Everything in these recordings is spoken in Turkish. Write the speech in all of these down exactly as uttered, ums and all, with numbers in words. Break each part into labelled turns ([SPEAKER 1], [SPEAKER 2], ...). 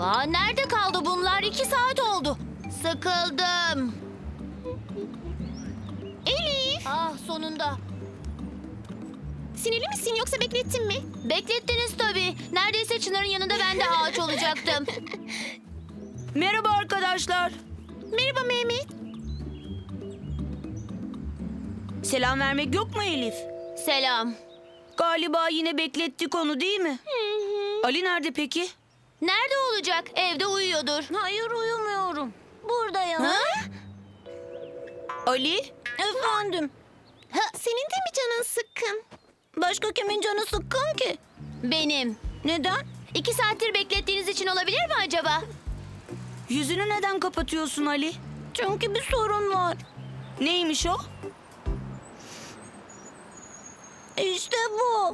[SPEAKER 1] Aa, nerede kaldı bunlar? İki saat oldu. Sıkıldım.
[SPEAKER 2] Elif,
[SPEAKER 1] Ah, sonunda.
[SPEAKER 2] sinirli misin yoksa beklettin mi?
[SPEAKER 1] Beklettiniz tabii. Neredeyse Çınar'ın yanında ben de ağaç olacaktım.
[SPEAKER 3] Merhaba arkadaşlar.
[SPEAKER 2] Merhaba Mehmet.
[SPEAKER 3] Selam vermek yok mu Elif?
[SPEAKER 1] Selam.
[SPEAKER 3] Galiba yine beklettik onu değil mi? Ali nerede peki?
[SPEAKER 1] Nerede olacak? Evde uyuyordur.
[SPEAKER 3] Hayır uyumuyorum. Buradayım.
[SPEAKER 1] Ha?
[SPEAKER 3] Ali?
[SPEAKER 2] Efendim. Senin de mi canın sıkkın?
[SPEAKER 3] Başka kimin canı sıkkın ki?
[SPEAKER 1] Benim.
[SPEAKER 3] Neden?
[SPEAKER 1] İki saattir beklettiğiniz için olabilir mi acaba?
[SPEAKER 3] Yüzünü neden kapatıyorsun Ali? Çünkü bir sorun var. Neymiş o? İşte bu.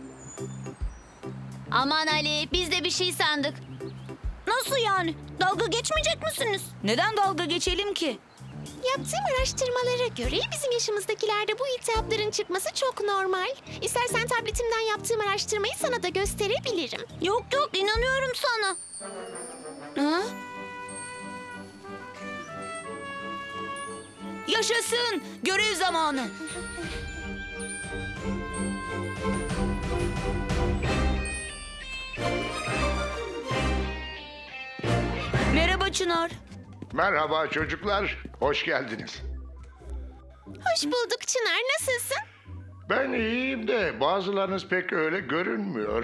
[SPEAKER 1] Aman Ali, biz de bir şey sandık.
[SPEAKER 3] Nasıl yani? Dalga geçmeyecek misiniz? Neden dalga geçelim ki?
[SPEAKER 2] Yaptığım araştırmalara göre bizim yaşımızdakilerde bu iltihapların çıkması çok normal. İstersen tabletimden yaptığım araştırmayı sana da gösterebilirim.
[SPEAKER 3] Yok yok inanıyorum sana. Ha? Yaşasın! Görev zamanı. Merhaba Çınar.
[SPEAKER 4] Merhaba çocuklar, hoş geldiniz.
[SPEAKER 2] Hoş bulduk Çınar, nasılsın?
[SPEAKER 4] Ben iyiyim de bazılarınız pek öyle görünmüyor.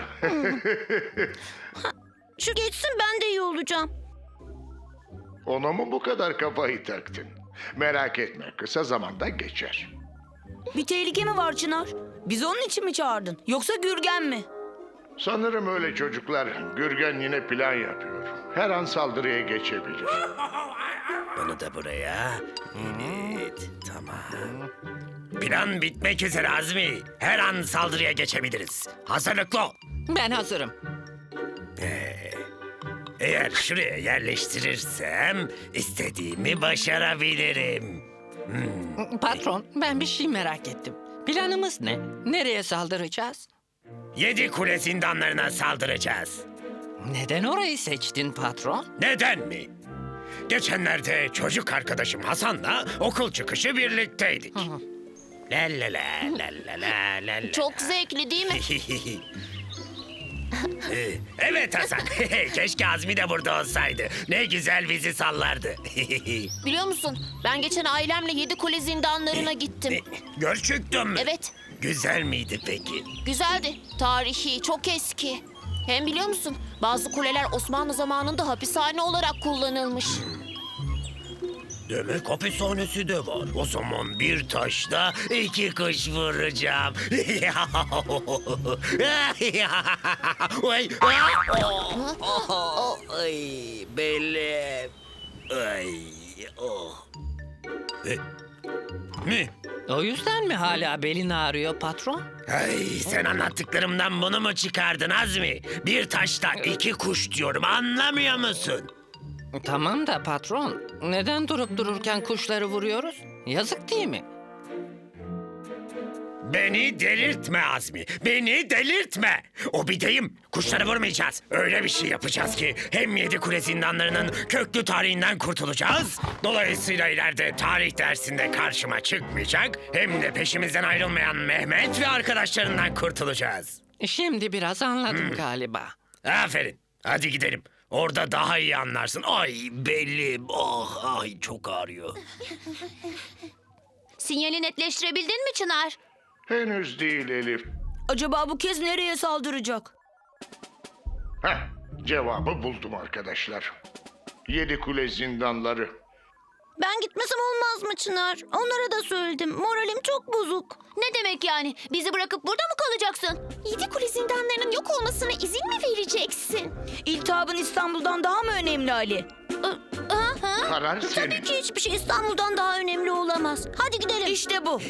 [SPEAKER 3] Şu geçsin ben de iyi olacağım.
[SPEAKER 4] Ona mı bu kadar kafayı taktın? Merak etme, kısa zamanda geçer.
[SPEAKER 3] Bir tehlike mi var Çınar? Bizi onun için mi çağırdın? Yoksa Gürgen mi?
[SPEAKER 4] Sanırım öyle çocuklar. Gürgen yine plan yapıyor. Her an saldırıya geçebilir.
[SPEAKER 5] Bunu da buraya. Evet, tamam. Plan bitmek üzere Azmi. Her an saldırıya geçebiliriz. Hazırlıklı ol.
[SPEAKER 6] Ben hazırım.
[SPEAKER 5] Eğer şuraya yerleştirirsem istediğimi başarabilirim.
[SPEAKER 6] Patron, ben bir şey merak ettim. Planımız ne? Nereye saldıracağız?
[SPEAKER 5] Yedi kule zindanlarına saldıracağız.
[SPEAKER 6] Neden orayı seçtin patron?
[SPEAKER 5] Neden mi? Geçenlerde çocuk arkadaşım Hasan'la okul çıkışı birlikteydik. La la la la la la la la.
[SPEAKER 1] Çok zevkli değil mi?
[SPEAKER 5] Ee, Evet Hasan. Keşke Azmi de burada olsaydı. Ne güzel bizi sallardı.
[SPEAKER 1] Biliyor musun? Ben geçen ailemle yedi kule zindanlarına gittim.
[SPEAKER 5] Gerçekten mi?
[SPEAKER 1] Evet,
[SPEAKER 5] Güzel miydi peki?
[SPEAKER 1] güzeldi. Tarihi, çok eski. Hem biliyor musun? Bazı kuleler Osmanlı zamanında hapishane olarak kullanılmış.
[SPEAKER 5] Demek hapishanesi de var. O zaman bir taşla iki kuş vuracağım. Ay, ay, belim. Ay, oh. E, Mi?
[SPEAKER 6] O yüzden mi hala belin ağrıyor patron?
[SPEAKER 5] Ay, sen anlattıklarımdan bunu mu çıkardın Azmi? Bir taşla iki kuş diyorum, anlamıyor musun?
[SPEAKER 6] Tamam da patron, neden durup dururken kuşları vuruyoruz? Yazık değil mi?
[SPEAKER 5] Beni delirtme Azmi, beni delirtme. O bir deyim, kuşları vurmayacağız. Öyle bir şey yapacağız ki hem yedi kule zindanlarının köklü tarihinden kurtulacağız. Dolayısıyla ileride tarih dersinde karşıma çıkmayacak. Hem de peşimizden ayrılmayan Mehmet ve arkadaşlarından kurtulacağız.
[SPEAKER 6] Şimdi biraz anladım galiba.
[SPEAKER 5] Aferin, hadi gidelim. Orada daha iyi anlarsın. Ay belim, oh, ay çok ağrıyor.
[SPEAKER 1] Sinyali netleştirebildin mi Çınar?
[SPEAKER 4] Henüz değil Elif.
[SPEAKER 3] Acaba bu kez nereye saldıracak?
[SPEAKER 4] Heh, cevabı buldum arkadaşlar. Yedi kule zindanları.
[SPEAKER 3] Ben gitmesem olmaz mı Çınar? Onlara da söyledim. Moralim çok bozuk.
[SPEAKER 1] Ne demek yani? Bizi bırakıp burada mı kalacaksın?
[SPEAKER 2] Yedi kule zindanlarının yok olmasına izin mi vereceksin?
[SPEAKER 3] İltihabın İstanbul'dan daha mı önemli Ali?
[SPEAKER 4] Karar
[SPEAKER 3] Tabii
[SPEAKER 4] senin.
[SPEAKER 3] ki hiçbir şey İstanbul'dan daha önemli olamaz. Hadi gidelim. İşte bu.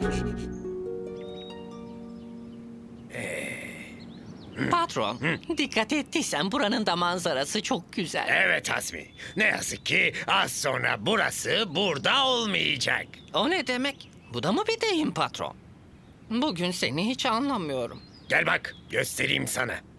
[SPEAKER 6] Patron, dikkat ettiysen buranın da manzarası çok güzel.
[SPEAKER 5] Evet Azmi, ne yazık ki az sonra burası burada olmayacak.
[SPEAKER 6] O ne demek? Bu da mı bir deyim patron? Bugün seni hiç anlamıyorum.
[SPEAKER 5] Gel bak, göstereyim sana.